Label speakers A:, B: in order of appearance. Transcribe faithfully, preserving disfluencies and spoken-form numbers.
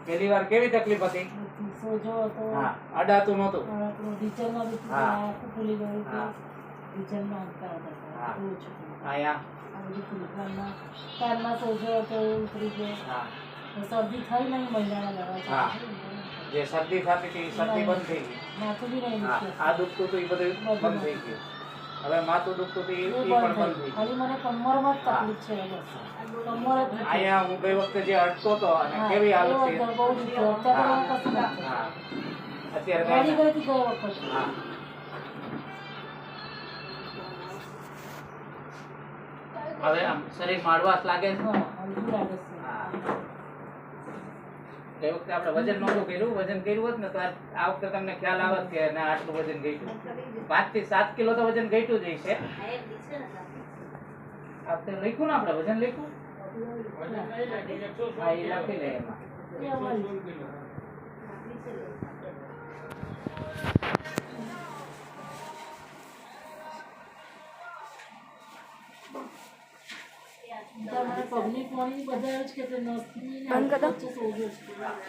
A: પહેલી વાર કેવી તકલીફ હતી?
B: સોજો હતો.
A: હા, અડાતું નહોતું.
B: આપણું ઢીચણમાં બી
A: હા.
B: આખું ફૂલી ગયું
A: હા.
B: હતું. ઢીચણમાં અંતર હતા.
A: હા.
B: બહુ ઓછું થયું.
A: અહીંયા
B: આ બધું ફૂલી કાનમાં કાનમાં સોજો હતો એ ઉતરી ગયો.
A: હા,
B: શરદી થઈ નહીં મહિનાના દવા
A: હા.
B: ચાલુ થઈ.
A: જે શરદી થતી હતી એ શરદી બંધ થઈ ગઈ.
B: માથું બી નહીં
A: હા,
B: દુખતું.
A: આ દુખતું હતું એ બધું બંધ થઈ ગયું. હવે માથું દુખતું હતું એ
B: એ
A: એ
B: બંધ
A: પણ બંધ
B: થઈ
A: થઈ
B: ગયું. ખાલી મને કમરમાં જ તકલીફ છે બસ. કમર જ દુખે.
A: અહીંયા હું ગઈ વખતે જે અટકો હતો અને
B: હા,
A: કેવી હાલત
B: એવો
A: છે.
B: હતો, બહુ દુખતો. અત્યારે તો કશું નથી.
A: હા, અત્યારે
B: ગાડી
A: કાંઈ
B: ગઈ હતી ગઈ વખત.
A: નથી. હા, હવે આમ શરીર માડવાશ લાગે છે.
B: હા, હલકું લાગે છે.
A: હા. એ વખતે આપણે વજન નહોતું કર્યું. વજન કર્યું હોત ને તો આ આ વખતે તમને ખ્યાલ આવત કે ના આટલું વજન ઘટ્યું. પાંચ થી સાત કિલો તો વજન ઘટ્યું જ હશે. આ વખતે લખ્યું ને આપણે વજન લખ્યું. હા, એ લખી લે એમાં.
B: એ અમારી પબ્લિક મળી બધા જ કે નસની વચ્ચે સોજો છે.